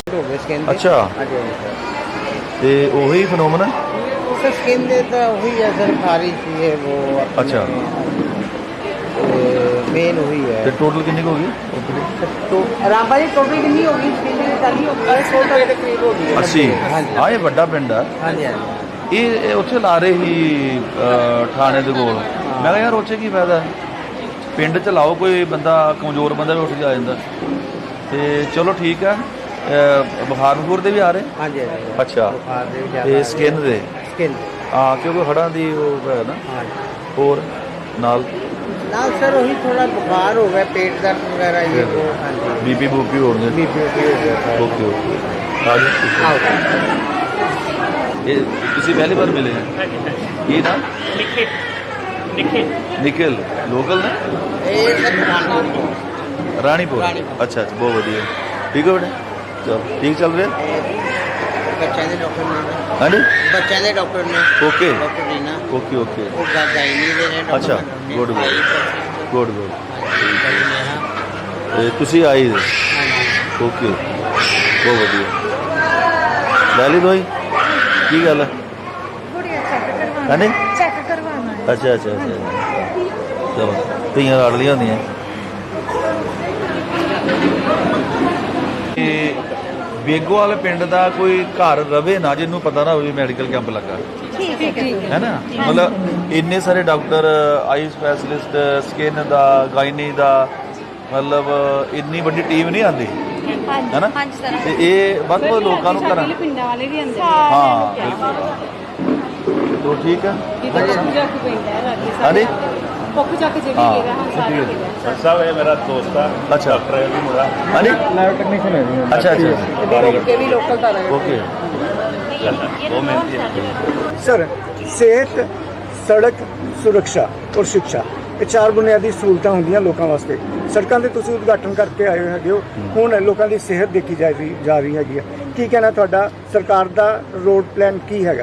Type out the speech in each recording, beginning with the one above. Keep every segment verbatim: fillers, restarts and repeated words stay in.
ਹੋ ਗਏ ਸਕਿਨ ਦੇ। ਅੱਛਾ ਹਾਂਜੀ ਹਾਂਜੀ ਸਰ। ਤੇ ਉਹੀ ਫਨੋਮਨ ਹੈ। ਸਰ ਸਕਿਨ ਦੇ ਤਾਂ ਉਹੀ ਹੈ ਸਰ, ਖਾਰਿਸ਼ ਹੈ वो अपने। अच्छा। मेन वही है। ਤੇ ਟੋਟਲ ਕਿੰਨੀ ਕੁ ਹੋ ਗਈ? तो रामबा जी टोटल कितनी होगी स्किन की चाली होगी सौ रुपये के करीब होगी। अस्सी। हाँ जी ਹਾਂ ਇਹ ਵੱਡਾ ਪਿੰਡ ਆ। हाँ जी हाँ जी। ਇਹ ਇਹ ਉੱਥੇ ਲਾ ਰਹੇ ਸੀ ਅਹ, ਥਾਣੇ ਦੇ ਕੋਲ। ਮੈਂ ਕਿਹਾ ਯਾਰ ਉੱਥੇ ਕੀ ਫਾਇਦਾ, ਪਿੰਡ 'ਚ ਲਾਓ, ਕੋਈ ਬੰਦਾ ਕਮਜ਼ੋਰ ਬੰਦਾ ਵੀ ਉੱਠ ਕੇ ਆ ਜਾਂਦਾ। ਤੇ ਚਲੋ ਠੀਕ ਆ। ਅਹ, ਬੁਖਾਰ ਬਖੂਰ ਦੇ ਵੀ ਆ ਰਹੇ? हाँ जी हाँ जी। ਅੱਛਾ। बुखार दे भी ਤੇ ज़्यादा ਸਕਿਨ ਦੇ? स्किन। ਹਾਂ ਕਿਉਂਕਿ ਹੜਾਂ ਦੀ ਉਹ ਹੈ ਨਾ। हाँ जी। ਹੋਰ ਨਾਲ ना सर वही थोड़ा बुखार हो गया, पेट दर्द वगैरह ये वो। हाँ जी। ਬੀਪੀ ਬੂਪੀ ਹੋਣਗੇ। बी पी हो गया सर। ਓਕੇ ਓਕੇ ਆ ਜਾਓ। हाँ ਇਹ ਤੁਸੀਂ ਪਹਿਲੀ ਵਾਰ ਮਿਲੇ ਹੈ? ਕੀ ਨਾ? ਨਿਖਿਲ ਲੋਕਲ ਨੇ? ये सर खाना ਰਾਣੀਪੁਰ। ਰਾਣੀਪੁਰ। ਅੱਛਾ ਅੱਛਾ ਬਹੁਤ ਵਧੀਆ। ਠੀਕ ਹੈ ਬੇਟਾ, ਚਲ ਠੀਕ ਚੱਲ ਰਿਹਾ। बच्चों के डॉक्टर ने ਹਾਂਜੀ बच्चों के डॉक्टर ने okay doctor Reena okay okay वो गायनी दे रहे अच्छा, good, good. Good good. हाँ ਤੇ ਤੁਸੀਂ ਆਏ ਜੀ? जी। ਓਕੇ ਬਹੁਤ ਵਧੀਆ। ਲੈ ਲਈ ਦਵਾਈ? ਕੀ ਗੱਲ ਹੈ? गुड़िया चेक करवाना ਹਾਂਜੀ चेक करवाना है। ਅੱਛਾ ਅੱਛਾ ਅੱਛਾ ਚਲੋ ਧੀਆਂ ਲੜ ਲੀਆਂ ਹੁੰਦੀਆਂ। ਇਹ ਬੇਗੋਵਾਲ ਪਿੰਡ ਦਾ ਕੋਈ ਘਰ ਰਵੇ ਨਾ ਜਿਹਨੂੰ ਪਤਾ ਨਾ ਹੋਵੇ ਮੈਡੀਕਲ ਕੈਂਪ ਲੱਗਾ ठीक है ठीक ਹੈ ਨਾ। ਮਤਲਬ ਇੰਨੇ ਸਾਰੇ ਡਾਕਟਰ, ਆਈ ਸਪੈਸ਼ਲਿਸਟ, ਸਕਿਨ ਦਾ, ਗਾਇਨੀ ਦਾ, ਮਤਲਬ ਇੰਨੀ ਵੱਡੀ ਟੀਮ ਨਹੀਂ ਆਉਂਦੀ ਹੈ ਨਾ। ਤੇ ਇਹ ਵੱਧ ਤੋਂ ਵੱਧ ਲੋਕਾਂ ਨੂੰ ਘਰਾਂ पिंडा वाले भी अंदर ਹਾਂ ਬਿਲਕੁਲ। ਤੋ ਠੀਕ ਹੈ। ਹਾਂਜੀ पोख जाके जगह हाँ, लेगा हम सारे ठीक है। लेगा। साहब ये मेरा दोस्त था। अच्छा। डॉक्टर है भी मुझा। ਹਾਂਜੀ लैब टेक्नीशियन है। अच्छा अच्छा के भी लोकल था ਓਕੇ। वो मेहनती है। ਸਰ ਸਿਹਤ, ਸੜਕ ਸੁਰੱਖਿਆ ਔਰ ਸਿੱਖਿਆ ਇਹ ਚਾਰ ਬੁਨਿਆਦੀ ਸਹੂਲਤਾਂ ਹੁੰਦੀਆਂ ਲੋਕਾਂ ਵਾਸਤੇ। ਸੜਕਾਂ ਦੇ ਤੁਸੀਂ ਉਦਘਾਟਨ ਕਰਕੇ ਆਏ ਹੋਏ ਹੈਗੇ ਹੋ। ਹੁਣ ਲੋਕਾਂ ਦੀ ਸਿਹਤ ਦੇਖੀ ਜਾ ਰਹੀ ਜਾ ਰਹੀ ਹੈਗੀ ਹੈ। ਕੀ ਕਹਿਣਾ ਤੁਹਾਡਾ, ਸਰਕਾਰ ਦਾ ਰੋਡ ਪਲਾਨ ਕੀ ਹੈਗਾ?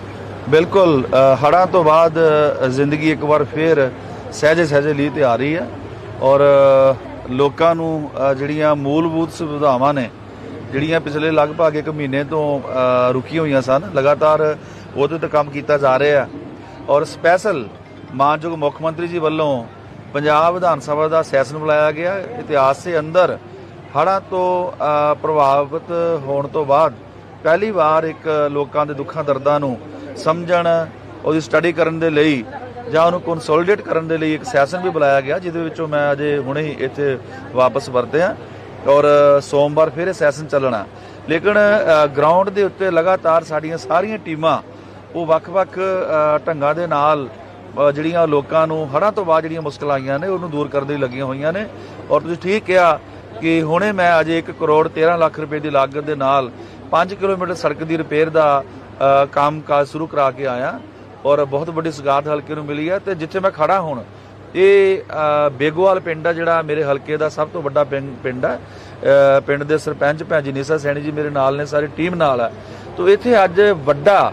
ਬਿਲਕੁਲ ਹੜ੍ਹਾਂ ਤੋਂ ਬਾਅਦ ਅ, ਜ਼ਿੰਦਗੀ ਇੱਕ ਵਾਰ ਫੇਰ ਸਹਿਜੇ ਸਹਿਜੇ ਲਈ ਤੇ ਆ ਰਹੀ ਹੈ ਔਰ ਅ, ਲੋਕਾਂ ਨੂੰ ਅ, ਜਿਹੜੀਆਂ ਮੂਲਭੂਤ ਸੁਵਿਧਾਵਾਂ ਨੇ ਜਿਹੜੀਆਂ ਪਿਛਲੇ ਲਗਭਗ ਇੱਕ ਮਹੀਨੇ ਤੋਂ ਅ, ਰੁਕੀਆਂ ਹੋਈਆਂ ਸਨ, ਲਗਾਤਾਰ ਉਹਦੇ ਤੇ ਕੰਮ ਕੀਤਾ ਜਾ ਰਿਹਾ ਔਰ ਸਪੈਸ਼ਲ ਮਾਨਯੋਗ ਮੁੱਖ ਮੰਤਰੀ ਜੀ ਵੱਲੋਂ ਪੰਜਾਬ ਵਿਧਾਨ ਸਭਾ ਦਾ ਸੈਸ਼ਨ ਬੁਲਾਇਆ ਗਿਆ। ਇਤਿਹਾਸ ਦੇ ਅੰਦਰ ਹੜ੍ਹਾਂ ਤੋਂ ਅ, ਪ੍ਰਭਾਵਿਤ ਹੋਣ ਤੋਂ ਬਾਅਦ ਪਹਿਲੀ ਵਾਰ ਇੱਕ ਲੋਕਾਂ ਦੇ ਦੁੱਖਾਂ ਦਰਦਾਂ ਨੂੰ ਸਮਝਣ, ਉਹਦੀ ਸਟੱਡੀ ਕਰਨ ਦੇ ਲਈ ਜਾਂ ਉਹਨੂੰ ਕੰਸੋਲੀਡੇਟ ਕਰਨ ਦੇ ਲਈ ਇੱਕ ਸੈਸ਼ਨ ਵੀ ਬੁਲਾਇਆ ਗਿਆ, ਜਿਹਦੇ ਵਿੱਚੋਂ ਮੈਂ ਅਜੇ ਹੁਣੇ ਹੀ ਇੱਥੇ ਵਾਪਸ ਵਰਤਿਆ ਔਰ ਸੋਮਵਾਰ ਫਿਰ ਇਹ ਸੈਸ਼ਨ ਚੱਲਣਾ। ਲੇਕਿਨ ਗਰਾਊਂਡ ਦੇ ਉੱਤੇ ਲਗਾਤਾਰ ਸਾਡੀਆਂ ਸਾਰੀਆਂ ਟੀਮਾਂ ਉਹ ਵੱਖ-ਵੱਖ ਢੰਗਾਂ ਦੇ ਨਾਲ ਜਿਹੜੀਆਂ ਲੋਕਾਂ ਨੂੰ ਹੜ੍ਹਾਂ ਤੋਂ ਬਾਅਦ ਜਿਹੜੀਆਂ ਮੁਸ਼ਕਲਾਂ ਆਈਆਂ ਨੇ ਉਹਨੂੰ ਦੂਰ ਕਰਨ ਦੇ ਲਈ ਲੱਗੀਆਂ ਹੋਈਆਂ ਨੇ। ਔਰ ਤੁਸੀਂ ਠੀਕ ਕਿਹਾ ਕਿ ਹੁਣੇ ਮੈਂ ਅਜੇ ਇੱਕ ਕਰੋੜ ਤੇਰਾਂ ਲੱਖ ਰੁਪਏ ਦੀ ਲਾਗਤ ਦੇ ਨਾਲ ਪੰਜ ਕਿਲੋਮੀਟਰ ਸੜਕ ਦੀ ਰਿਪੇਅਰ ਦਾ ਕੰਮ ਕਾਜ ਸ਼ੁਰੂ ਕਰਾ ਕੇ ਆਇਆ ਔਰ ਬਹੁਤ ਵੱਡੀ ਸੁਗਾਤ ਹਲਕੇ ਨੂੰ ਮਿਲੀ ਹੈ। ਤੇ ਜਿੱਥੇ ਮੈਂ ਖੜਾ ਹੁਣ ਇਹ ਬੇਗੋਵਾਲ ਪਿੰਡ ਆ, ਜਿਹੜਾ ਮੇਰੇ ਹਲਕੇ ਦਾ ਸਭ ਤੋਂ ਵੱਡਾ ਪਿੰਡ ਹੈ। ਪਿੰਡ ਦੇ ਸਰਪੰਚ ਭੈਣ ਜੀ ਨੀਸਾ ਸੈਣੀ ਜੀ ਮੇਰੇ ਨਾਲ ਨੇ, ਸਾਰੀ ਟੀਮ ਨਾਲ ਹੈ। ਤੋ ਇੱਥੇ ਅੱਜ ਵੱਡਾ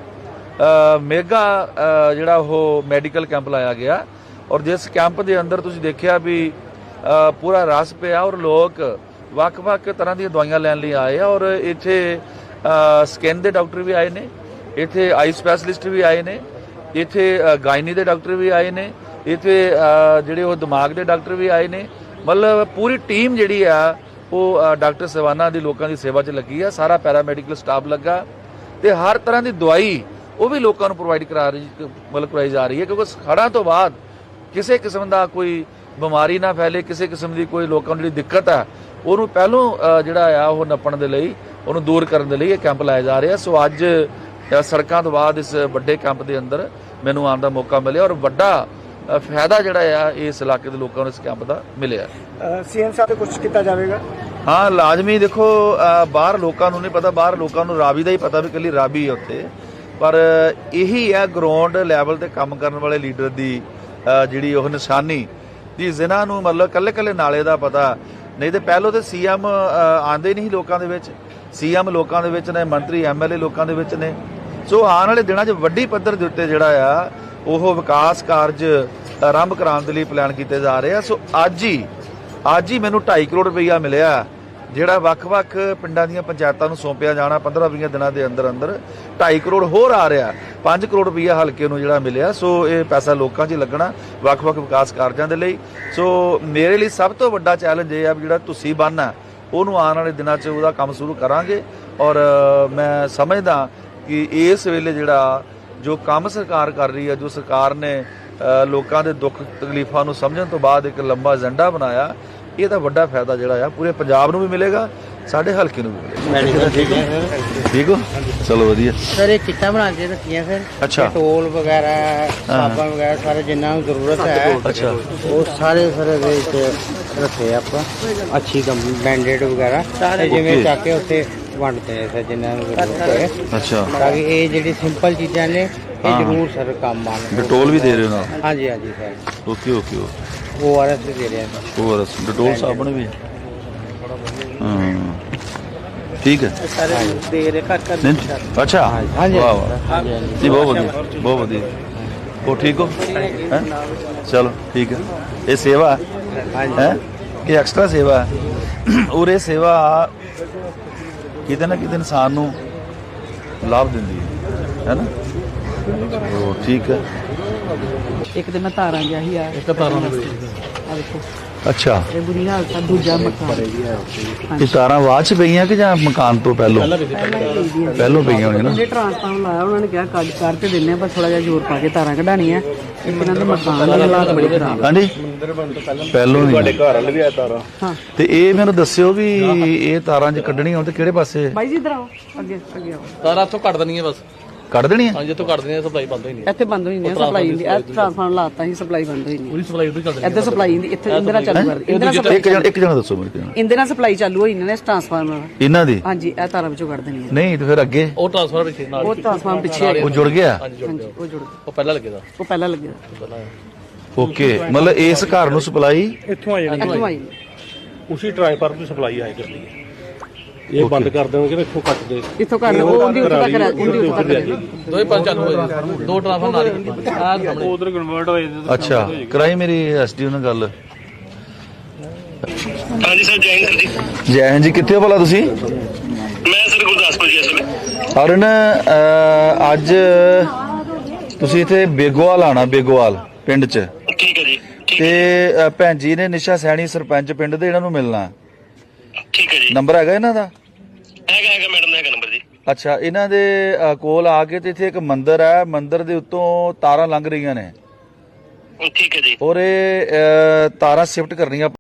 ਮੇਗਾ ਜਿਹੜਾ ਉਹ ਮੈਡੀਕਲ ਕੈਂਪ ਲਾਇਆ ਗਿਆ ਔਰ ਜਿਸ ਕੈਂਪ ਦੇ ਅੰਦਰ ਤੁਸੀਂ ਦੇਖਿਆ ਵੀ ਪੂਰਾ ਰਸ ਪਿਆ ਔਰ ਲੋਕ ਵੱਖ-ਵੱਖ ਤਰ੍ਹਾਂ ਦੀਆਂ ਦਵਾਈਆਂ ਲੈਣ ਲਈ ਆਏ ਆ ਔਰ ਇੱਥੇ ਸਕਿਨ ਦੇ ਡਾਕਟਰ ਵੀ ਆਏ ਨੇ, ਇੱਥੇ ਆਈ ਸਪੈਸ਼ਲਿਸਟ ਵੀ ਆਏ ਨੇ, ਇੱਥੇ ਗਾਇਨੀ ਦੇ ਡਾਕਟਰ ਵੀ ਆਏ ਨੇ, ਇੱਥੇ ਜਿਹੜੇ ਉਹ ਦਿਮਾਗ ਦੇ ਡਾਕਟਰ ਵੀ ਆਏ ਨੇ। ਮਤਲਬ ਪੂਰੀ ਟੀਮ ਜਿਹੜੀ ਆ ਉਹ ਡਾਕਟਰ ਸਵਾਨਾ ਦੀ ਲੋਕਾਂ ਦੀ ਸੇਵਾ 'ਚ ਲੱਗੀ ਆ। ਸਾਰਾ ਪੈਰਾਮੈਡੀਕਲ ਸਟਾਫ ਲੱਗਾ ਤੇ ਹਰ ਤਰ੍ਹਾਂ ਦੀ ਦਵਾਈ ਉਹ ਵੀ ਲੋਕਾਂ ਨੂੰ ਪ੍ਰੋਵਾਈਡ ਕਰਾ ਰਹੀ ਮਤਲਬ ਕਰਵਾਈ ਜਾ ਰਹੀ ਹੈ, ਕਿਉਂਕਿ ਹੜ੍ਹਾਂ ਤੋਂ ਬਾਅਦ ਕਿਸੇ ਕਿਸਮ ਦਾ ਕੋਈ ਬਿਮਾਰੀ ਨਾ ਫੈਲੇ, ਕਿਸੇ ਕਿਸਮ ਦੀ ਕੋਈ ਲੋਕਾਂ ਨੂੰ ਜਿਹੜੀ ਦਿੱਕਤ ਆ ਉਹਨੂੰ ਪਹਿਲੋਂ ਜਿਹੜਾ ਆ ਉਹ ਨੱਪਣ ਦੇ ਲਈ, ਉਹਨੂੰ ਦੂਰ ਕਰਨ ਦੇ ਲਈ ਇਹ ਕੈਂਪ ਲਾਇਆ ਜਾ ਰਿਹਾ। ਸੋ ਅੱਜ ਸੜਕਾਂ ਤੋਂ ਬਾਅਦ ਇਸ ਵੱਡੇ ਕੈਂਪ ਦੇ ਅੰਦਰ ਮੈਨੂੰ ਆਉਣ ਦਾ ਮੌਕਾ ਮਿਲਿਆ ਔਰ ਵੱਡਾ ਫਾਇਦਾ ਜਿਹੜਾ ਆ ਇਸ ਇਲਾਕੇ ਦੇ ਲੋਕਾਂ ਨੂੰ ਇਸ ਕੈਂਪ ਦਾ ਮਿਲਿਆ। ਸੀਐਮ ਸਾਹਿਬ ਤੋਂ ਕੁਝ ਕੀਤਾ ਜਾਵੇਗਾ? ਹਾਂ ਲਾਜ਼ਮੀ। ਦੇਖੋ ਬਾਹਰ ਲੋਕਾਂ ਨੂੰ ਨਹੀਂ ਪਤਾ, ਬਾਹਰ ਲੋਕਾਂ ਨੂੰ ਰਾਵੀ ਦਾ ਹੀ ਪਤਾ ਵੀ ਇਕੱਲੀ ਰਾਵੀ ਹੈ ਉੱਥੇ, ਪਰ ਇਹੀ ਹੈ ਗਰਾਊਂਡ ਲੈਵਲ ਤੇ ਕੰਮ ਕਰਨ ਵਾਲੇ ਲੀਡਰ ਦੀ ਜਿਹੜੀ ਉਹ ਨਿਸ਼ਾਨੀ ਜੀ, ਜਿਨ੍ਹਾਂ ਨੂੰ ਮਤਲਬ ਕੱਲੇ ਕੱਲੇ ਨਾਲੇ ਦਾ ਪਤਾ ਨਹੀਂ। ਤੇ ਪਹਿਲੋਂ ਤੇ ਸੀਐਮ ਆਉਂਦੇ ਨਹੀਂ ਲੋਕਾਂ ਦੇ ਵਿੱਚ, ਸੀਐਮ ਲੋਕਾਂ ਦੇ ਵਿੱਚ ਨੇ, ਮੰਤਰੀ ਐਮਐਲਏ ਲੋਕਾਂ ਦੇ ਵਿੱਚ ਨੇ। ਸੋ ਆਉਣ ਵਾਲੇ ਦਿਨਾਂ 'ਚ ਵੱਡੀ ਪੱਧਰ ਦੇ ਉੱਤੇ ਜਿਹੜਾ ਆ ਉਹ ਵਿਕਾਸ ਕਾਰਜ ਆਰੰਭ ਕਰਾਉਣ ਦੇ ਲਈ ਪਲਾਨ ਕੀਤੇ ਜਾ ਰਹੇ ਆ। ਸੋ ਅੱਜ ਹੀ ਅੱਜ ਹੀ ਮੈਨੂੰ ਢਾਈ ਕਰੋੜ ਰੁਪਈਆ ਮਿਲਿਆ ਜਿਹੜਾ ਵੱਖ-ਵੱਖ ਪਿੰਡਾਂ ਦੀਆਂ ਪੰਚਾਇਤਾਂ ਨੂੰ ਸੌਂਪਿਆ ਜਾਣਾ ਪੰਦਰਾਂ ਵੀਹ ਦਿਨਾਂ ਦੇ ਅੰਦਰ ਅੰਦਰ ਢਾਈ ਕਰੋੜ ਹੋਰ ਆ ਰਿਹਾ, ਪੰਜ ਕਰੋੜ ਰੁਪਈਆ ਹਲਕੇ ਨੂੰ ਜਿਹੜਾ ਮਿਲਿਆ। ਸੋ ਇਹ ਪੈਸਾ ਲੋਕਾਂ 'ਚ ਹੀ ਲੱਗਣਾ ਵੱਖ-ਵੱਖ ਵਿਕਾਸ ਕਾਰਜਾਂ ਦੇ ਲਈ। ਸੋ ਮੇਰੇ ਲਈ ਸਭ ਤੋਂ ਵੱਡਾ ਚੈਲੰਜ ਇਹ ਆ ਵੀ ਜਿਹੜਾ ਤੁਸੀਂ ਬੰਨ ਆ ਉਹਨੂੰ ਆਉਣ ਵਾਲੇ ਦਿਨਾਂ 'ਚ ਉਹਦਾ ਕੰਮ ਸ਼ੁਰੂ ਕਰਾਂਗੇ। ਔਰ ਮੈਂ ਸਮਝਦਾ ਕਿ ਇਸ ਵੇਲੇ ਜਿਹੜਾ ਜੋ ਕੰਮ ਸਰਕਾਰ ਕਰ ਰਹੀ ਹੈ, ਜੋ ਸਰਕਾਰ ਨੇ ਲੋਕਾਂ ਦੇ ਦੁੱਖ ਤਕਲੀਫਾਂ ਨੂੰ ਸਮਝਣ ਤੋਂ ਬਾਅਦ ਇੱਕ ਲੰਬਾ ਏਜੰਡਾ ਬਣਾਇਆ, ਇਹਦਾ ਵੱਡਾ ਫਾਇਦਾ ਜਿਹੜਾ ਆ ਪੂਰੇ ਪੰਜਾਬ ਨੂੰ ਵੀ ਮਿਲੇਗਾ, ਸਾਡੇ ਹਲਕੇ ਨੂੰ ਵੀ ਮਿਲੇਗਾ। ਠੀਕ ਹੋ? ਚਲੋ ਵਧੀਆ ਸਰ ਇਹ ਕਿੱਟਾਂ ਬਣਾ ਕੇ ਰੱਖੀਆਂ ਸਰ। ਅੱਛਾ। ਟੋਲ ਵਗੈਰਾ ਸਾਬਣ ਵਗੈਰਾ ਸਾਰੇ ਜਿੰਨਾ ਨੂੰ ਜ਼ਰੂਰਤ ਹੈ ਅੱਛਾ ਉਹ ਸਾਰੇ ਸਰ ਇਹਦੇ ਵਿੱਚ ਰੱਖੇ ਆਪਾਂ ਅੱਛੀ ਕੰਪਨੀ ਬੈਂਡੇਡ ਵਗੈਰਾ ਸਾਰੇ ਜਿਵੇਂ ਚੱਕ ਕੇ ਉੱਥੇ ਵੰਡਦੇ ਆ ਸਰ ਜਿੰਨਾ ਨੂੰ ਜ਼ਰੂਰਤ ਹੈ। ਅੱਛਾ। ਤਾਂ ਕਿ ਇਹ ਜਿਹੜੀ ਸਿੰਪਲ ਚੀਜ਼ਾਂ ਨੇ ਇਹ ਹਾਂ। ਜ਼ਰੂਰ ਸਰ ਕੰਮ ਆਉਣ। ਡਟੋਲ ਵੀ ਦੇ ਰਹੇ ਹੋ ਨਾਲ? ਹਾਂਜੀ ਹਾਂਜੀ ਸਰ ਓਕੇ ਓਕੇ ਉਹ ਆਰ ਐਸ ਵੀ ਦੇ ਰਹੇ ਆ ਸਰ। ਹੋਰ ਡਟੋਲ ਸਾਬਣ ਵੀ ਹਾਂ ਠੀਕ ਹੈ। ਸਾਰੇ ਦੇ ਰਹੇ ਘਰ ਘਰ ਨਹੀਂ ਅੱਛਾ ਹਾਂਜੀ ਵਾਹ ਵਾਹ ਜੀ ਬਹੁਤ ਵਧੀਆ ਬਹੁਤ ਵਧੀਆ। ਉਹ ਠੀਕ ਹੋ ਹੈਂ? ਚਲੋ ਠੀਕ ਹੈ। ਇਹ ਸੇਵਾ ਹੈ ਕਿ ਐਕਸਟਰਾ ਸੇਵਾ ਹੈ? ਔਰ ਇਹ ਸੇਵਾ ਕਿਤੇ ਨਾ ਕਿਤੇ ਇਨਸਾਨ ਨੂੰ ਲਾਭ ਦਿੰਦੀ ਹੈ ਹੈ ਨਾ? ਉਹ ਠੀਕ ਹੈ। ਇੱਕ ਦਿਨ ਮੈਂ ਤਾਰਾਂ ਗਿਆ ਸੀ ਆ ਇੱਕ ਤਾਰਾਂ ਆ ਦੇਖੋ ਅੱਛਾ ਇਹ ਬੁਰੀ ਹਾਲਤ ਆ। ਦੂਜਾ ਮਕਾਨ ਇਹ ਤਾਰਾਂ ਬਾਅਦ ਚ ਪਈਆਂ ਕਿ ਜਾਂ ਮਕਾਨ ਤੋਂ ਪਹਿਲੋਂ ਪਹਿਲੋਂ ਪਈਆਂ ਹੋਣੀਆਂ ਨਾ? ਉਹਨੇ ਟਰਾਂਸਫਾਰਮਰ ਲਾਇਆ, ਉਹਨਾਂ ਨੇ ਕਿਹਾ ਕੱਢ ਕਰ ਤੇ ਦਿੰਨੇ ਆ, ਪਰ ਥੋੜਾ ਜਿਹਾ ਜ਼ੋਰ ਪਾ ਕੇ ਤਾਰਾਂ ਕਢਾਣੀਆਂ। ਇਹਨਾਂ ਦੇ ਮਕਾਨ ਦੇ ਹਾਲਾਤ ਬੜੇ ਖਰਾਬ ਆ। ਹਾਂਜੀ ਪਹਿਲੋਂ ਨਹੀਂ ਤੁਹਾਡੇ ਘਰ ਵਾਲੇ ਵੀ ਆ ਤਾਰਾਂ। ਹਾਂ ਤੇ ਇਹ ਮੈਨੂੰ ਦੱਸਿਓ ਵੀ ਇਹ ਤਾਰਾਂ ਜੇ ਕੱਢਣੀਆਂ ਹੋਣ ਤੇ ਕਿਹੜੇ ਪਾਸੇ ਬਾਈ ਜੀ ਇਧਰ ਆਓ ਅੱਗੇ ਅੱਗੇ ਆਓ। ਤਾਰਾਂ ਇੱਥੋਂ ਕੱਢ ਦੇਣੀ ਹੈ ਬਸ। ਕੱਢ ਦੇਣੀਆਂ? ਹਾਂਜੀ ਇੱਥੋਂ ਕੱਢ ਦੇਣੀ ਹੈ, ਸਪਲਾਈ ਬੰਦ ਹੋਈ ਨਹੀਂ। ਇੱਥੇ ਬੰਦ ਹੋਈ ਨਹੀਂ ਸਪਲਾਈ ਦੀ। ਇਹ ਟਰਾਂਸਫਾਰਮਰ ਲਾਤਾ ਸੀ, ਸਪਲਾਈ ਬੰਦ ਹੋਈ ਨਹੀਂ। ਪੂਰੀ ਸਪਲਾਈ ਉਧਰ ਚੱਲ ਰਹੀ ਇੱਧਰ ਸਪਲਾਈ ਦੀ ਇੱਥੇ ਇੰਦਰਾ ਚਾਲੂ ਕਰ ਇੰਦਰਾ ਇੱਕ ਸਪਲਾਈ ਜਣਾ ਇੱਕ ਜਣਾ ਦੱਸੋ ਮੇਰੇ ਕੋਲ। ਇੰਦਰਾ ਸਪਲਾਈ ਚਾਲੂ ਹੋਈ ਇਹਨਾਂ ਨੇ ਟਰਾਂਸਫਾਰਮਰ। ਇਹਨਾਂ ਦੀ? ਹਾਂਜੀ ਇਹ ਤਾਰਾਂ ਵਿੱਚੋਂ ਕੱਢ ਦੇਣੀ ਹੈ। ਨਹੀਂ ਤੇ ਫਿਰ ਅੱਗੇ ਉਹ ਟ੍ਰਾਂਸਫਰ ਪਿੱਛੇ ਨਾਲ ਉਹ ਟਰਾਂਸਫਾਰਮਰ ਪਿੱਛੇ ਹੈ। ਉਹ ਜੁੜ ਗਿਆ? ਹਾਂਜੀ ਜੁੜ ਹਾਂਜੀ ਗਿਆ। ਉਹ ਜੁੜ ਗਿਆ। ਉਹ ਪਹਿਲਾਂ ਲੱਗੇਦਾ ਉਹ ਪਹਿਲਾਂ ਲੱਗਿਆ ਓਕੇ ਮਤਲਬ ਇਸ ਘਰ ਨੂੰ ਸਪਲਾਈ ਇੱਥੋਂ ਆ ਜਾਣੀ ਇੱਥੋਂ ਆਈ ਉਸੇ ਟ੍ਰਾਂਸਫਾਰਮਰ ਦੀ ਸਪਲਾਈ ਆਏ ਕਰਦੀ ਹੈ। ਇਹ ਬੰਦ ਕਰ ਦੇਣਗੇ ਇੱਥੋਂ ਕੱਟ ਦੇ ਇੱਥੋਂ ਕਰ ਉਹ ਉਹਦੀ ਉੱਥੇ ਤੱਕ ਰਹਿ ਉਹਦੀ ਉੱਥੇ ਤੱਕ ਰਹਿ ਦੋਵੇਂ ਪੰਜ ਚਾਲੂ ਹੋਏ, ਦੋ ਟ੍ਰਾਂਸਫਰ ਨਾਲ ਹੀ ਆਹ ਸਾਹਮਣੇ। ਉਧਰ ਕਨਵਰਟ ਹੋਏ। ਅੱਛਾ ਕਰਾਈ ਮੇਰੀ ਐਸਡੀਓ ਨਾਲ ਗੱਲ। ਹਾਂਜੀ ਸਰ ਜੈ ਹਿੰਦ ਜੀ। ਜੈ ਹਿੰਦ ਜੀ। ਕਿੱਥੇ ਹੋ ਭਲਾ ਤੁਸੀਂ? ਮੈਂ ਸਰ ਗੁਰਦਾਸਪੁਰ ਜੀ ਇਸ ਵੇਲੇ। ਅਰਨ ਅਹ, ਅੱਜ ਤੁਸੀਂ ਇੱਥੇ ਬੇਗੋਵਾਲ ਆਣਾ, ਬੇਗੋਵਾਲ ਪਿੰਡ 'ਚ। ਠੀਕ ਹੈ ਜੀ। ਠੀਕ ਤੇ ਅਹ, ਭੈਣ ਜੀ ਨੇ ਨਿਸ਼ਾ ਸੈਣੀ ਸਰਪੰਚ ਪਿੰਡ ਦੇ, ਇਹਨਾਂ ਨੂੰ ਮਿਲਣਾ। ਠੀਕ ਹੈ ਜੀ। ਨੰਬਰ ਹੈਗਾ ਇਹਨਾਂ ਦਾ? ਹੈਗਾ ਹੈਗਾ ਮੈਡਮ ਦਾ ਹੈਗਾ ਨੰਬਰ ਜੀ। ਅੱਛਾ ਇਹਨਾਂ ਦੇ ਅਹ, ਕੋਲ ਆ ਕੇ ਤੇ ਇੱਥੇ ਇੱਕ ਮੰਦਿਰ ਹੈ, ਮੰਦਿਰ ਦੇ ਉੱਤੋਂ ਤਾਰਾਂ ਲੰਘ ਰਹੀਆਂ ਨੇ ਠੀਕ ਹੈ ਜੀ। ਔਰ ਇਹ ਅਹ, ਤਾਰਾਂ ਸ਼ਿਫਟ ਕਰਨੀਆਂ